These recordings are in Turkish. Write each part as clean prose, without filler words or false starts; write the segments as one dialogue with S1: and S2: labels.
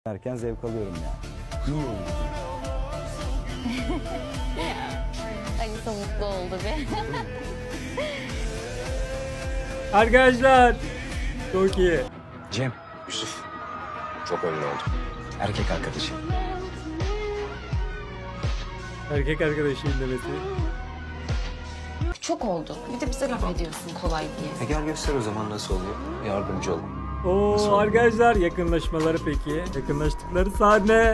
S1: derken zevk alıyorum yani. İyi oldu.
S2: Alisa mutlu oldu bir.
S3: Arkadaşlar çok iyi.
S4: Cem, Yusuf. Çok ünlü oldum. Erkek arkadaşım.
S3: Erkek arkadaşıyım demesi.
S2: Çok oldu. Bir de bize laf ediyorsun kolay diye.
S4: Gel göster o zaman nasıl oluyor. Yardımcı ol.
S3: Oo arkadaşlar yakınlaşmaları peki. Yakınlaştıkları sahne.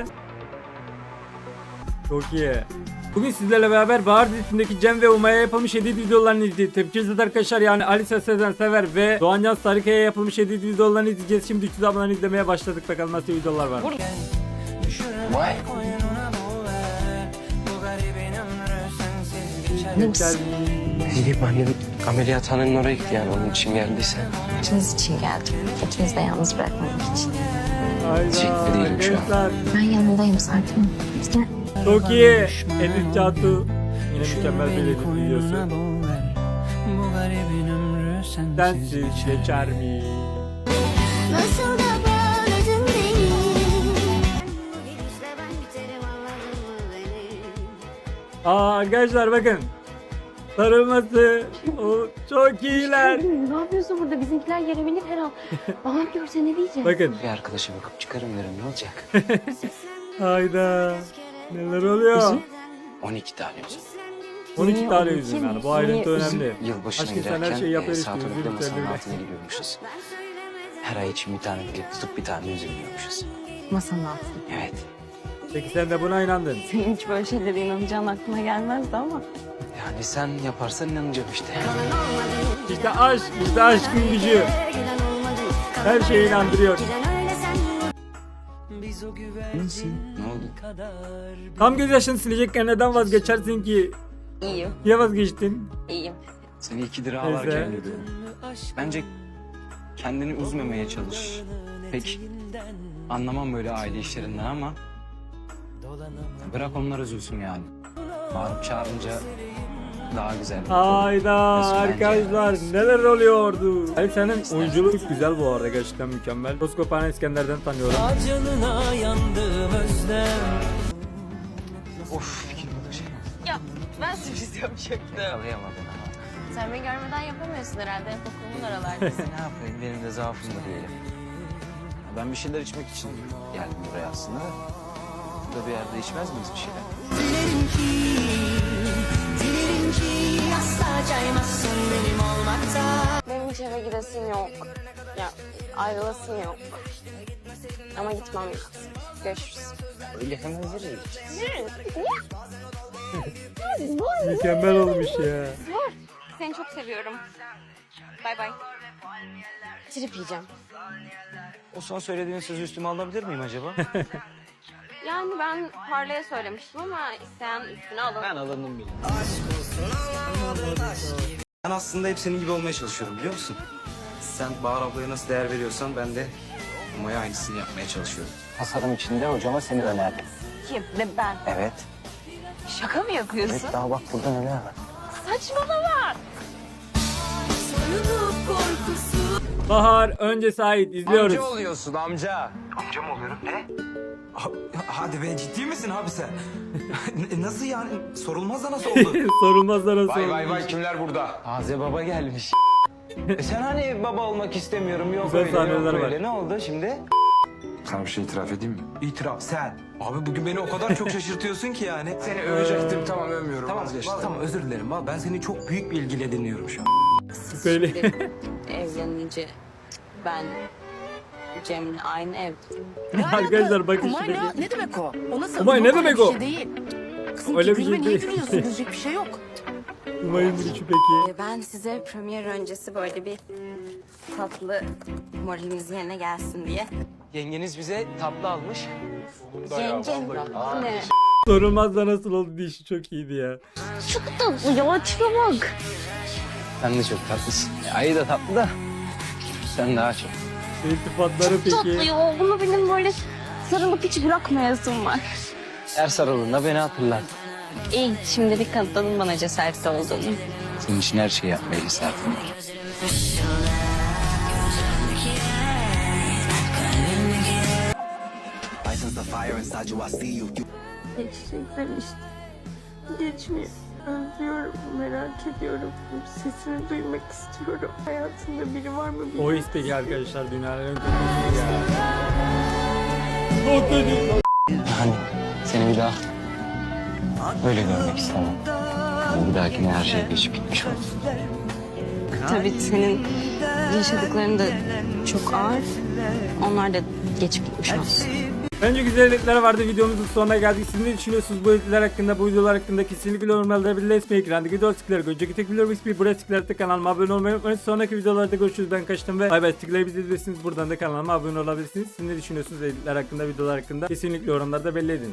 S3: Çok iyi. Bugün sizlerle beraber Bahar dizisindeki Cem ve Umay'a yapılmış edit videolarını izleyeceğiz. Tepkisiz arkadaşlar yani Alisa Sezen Sever ve Doğancan Sarıkaya yapılmış edit videolarını izleyeceğiz. Şimdi 300 abone izlemeye başladık. Bakalım nasıl videolar var.
S4: Vay. Gidip annem ameliyathanenin oraya gitti yani onun için geldiyse.
S2: İkiniz için geldim. İkiniz de yalnız bırakmamak için.
S4: Teşekkür değilim şu an.
S3: Arkadaşlar.
S2: Ben yanındayım zaten. Gel.
S3: Çok iyi. Edit Çağatu. Yine mükemmel bir edit videosu. Sensiz geçer mi?
S5: Nasıl da bağladın beni. Bu gidişle ben biterim anladın mı beni?
S3: Arkadaşlar bakın. Sarılması. O çok iyiler.
S6: Ne yapıyorsun burada? Bizimkiler gelebilir her an. Babam görse ne diyecek?
S3: Bakın.
S4: Bir arkadaşa bakıp çıkarım derim ne olacak?
S3: Hayda. Neler oluyor?
S4: 12 tane yüzüm.
S3: 12 tane yüzüm yani. Bu ayrıntı önemli.
S4: Yılbaşına
S3: Aşkım sen her şeyi
S4: girerken
S3: yapar
S4: saat
S3: istiyorsun.
S4: 12'de masanın
S3: Üzülürsen
S4: altına gidiyormuşuz. Her ay için bir tane dilek tutup bir tane yüzüm yiyormuşuz.
S2: Masanın altında.
S4: Evet.
S3: Peki sen de buna inandın.
S6: Senin hiç böyle şeylere inanacağın aklına gelmezdi ama.
S4: Yani sen yaparsan inanacağım işte.
S3: İşte aşk, işte aşkın gücü. Her şeye inandırıyor.
S4: Ne oldu?
S3: Tam gözyaşını silecekken neden vazgeçersin ki?
S6: İyiyim,
S3: Niye vazgeçtin?
S6: iyiyim.
S4: Seni 2 lira
S3: Neyse.
S4: ağlarken görüyorum. Bence kendini üzmemeye çalış. Pek anlamam böyle aile işlerinden ama bırak onlar üzülsün yani. Bağırıp çağırınca daha güzel.
S3: Hayda
S4: Nasıl bence
S3: arkadaşlar neler oluyordu? Hayır senin oyunculuk güzel bu arada gerçekten mükemmel. Koskoparan İskender'den tanıyorum.
S7: Canına yandım özlem.
S4: Of fikrim bu da şey.
S6: Ya ben sürpriz yapacaktım.
S4: Yakalayamadın ama.
S6: Sen beni görmeden yapamıyorsun herhalde. Okulumun aralardasın.
S4: Ne yapayım benim de zaafım da diyelim. Ben bir şeyler içmek için geldim buraya aslında. Burada bir yerde içmez miyiz bir şeyler?
S5: Dilerim ki asla caymazsın benim olmakta.
S6: Benim hiç eve gidesim yok. Ya ayrılasım yok. Ama gitmem lazım. Görüşürüz.
S4: Öyle hemen veririz.
S3: Mükemmel olmuş ya.
S6: Seni çok seviyorum. Bay bay. Trip yiyeceğim.
S4: O son söylediğin sözü üstüme alabilir miyim acaba?
S6: Yani ben Parlay'a söylemiştim ama isteyen üstüne alın.
S4: Ben alındım bile. Ben aslında hep senin gibi olmaya çalışıyorum biliyor musun? Sen Bahar ablaya nasıl değer veriyorsan ben de Umay'a aynısını yapmaya çalışıyorum. Tasarım içinde hocama seni önerdim.
S6: Kim? Ne ben?
S4: Evet.
S6: Şaka mı yapıyorsun?
S4: Evet daha bak burada neler var.
S6: Saçmalama.
S3: Bahar önce Sait izliyoruz.
S4: oluyorsun amca. Amca mı oluyorum? Ne?
S8: Hadi be ciddi misin abi sen? Nasıl yani? Sorulmaz da nasıl oldu?
S3: Sorulmaz da nasıl olmuş?
S4: kimler burada? Taze baba gelmiş. Sen hani baba olmak istemiyorum yok
S3: Güzel
S4: öyle
S3: sahneler
S4: yok
S3: var.
S4: öyle ne oldu şimdi?
S8: Sana bir şey itiraf edeyim mi? İtiraf sen. Abi bugün beni o kadar çok şaşırtıyorsun ki yani.
S4: Seni övecektim tamam övmüyorum
S8: Tamam,
S4: vazgeçtim.
S8: tamam özür dilerim. Vallahi ben seni çok büyük bir ilgiyle dinliyorum şu an.
S3: Böyle.
S6: Evlenince ben Cem'le aynı evde.
S3: Arkadaşlar bakın
S9: Umay
S3: şuradaki.
S9: ne demek o? O nasıl?
S3: Umay ne
S9: Yok,
S3: demek
S9: öyle
S3: o?
S9: Bir şey değil. Kızım
S3: Öyle bir
S9: gülme,
S3: şey
S9: niye
S3: değil.
S9: gülüyorsun? Gülecek bir şey yok.
S3: Umay'ın gülüşü peki.
S2: Ben size premier öncesi böyle bir tatlı moraliniz yerine gelsin diye.
S4: Yengeniz bize tatlı almış.
S2: Yengem ne?
S3: Sorulmaz da nasıl oldu dişi çok iyiydi ya.
S6: Bu ya tipe bak.
S4: Sen de çok tatlısın. Ayı da tatlı da sen daha çok.
S3: İltifatları
S6: Tatlı
S3: peki.
S6: ya. Bunu benim böyle sarılıp hiç bırakmayasım var.
S4: Her sarıldığında beni hatırlar.
S6: İyi şimdilik kanıtladın bana cesaretli olduğunu.
S4: Senin için her şeyi yapmayı isterdim.
S6: Geçecekler işte. Geçmiyor. Özlüyorum, merak ediyorum. Sesini duymak istiyorum. Hayatında biri var mı bilmiyorum.
S3: O peki arkadaşlar dünyanın en kötüsü ya. Çok kötü.
S4: Hani seni bir daha öyle görmek istemem. Yani bir dahakine her şey geçip gitmiş olsun.
S2: Tabii senin yaşadıkların da çok ağır. Onlar da geçip gitmiş olsun.
S3: Bence güzel editler vardı. Videomuzun sonuna geldik. Siz ne düşünüyorsunuz bu editler hakkında, bu videolar hakkında? Kesinlikle yorumlarda belirtmeyi, ekrandaki video tıkları, önceki tek video bir buraya tıklayıp kanalıma abone olmayı unutmayın. Sonraki videolarda görüşürüz. Ben kaçtım ve bay bay, tıklayıp izleyebilirsiniz. Buradan da kanalıma abone olabilirsiniz. Siz ne düşünüyorsunuz editler hakkında, videolar hakkında? Kesinlikle yorumlarda belli edin.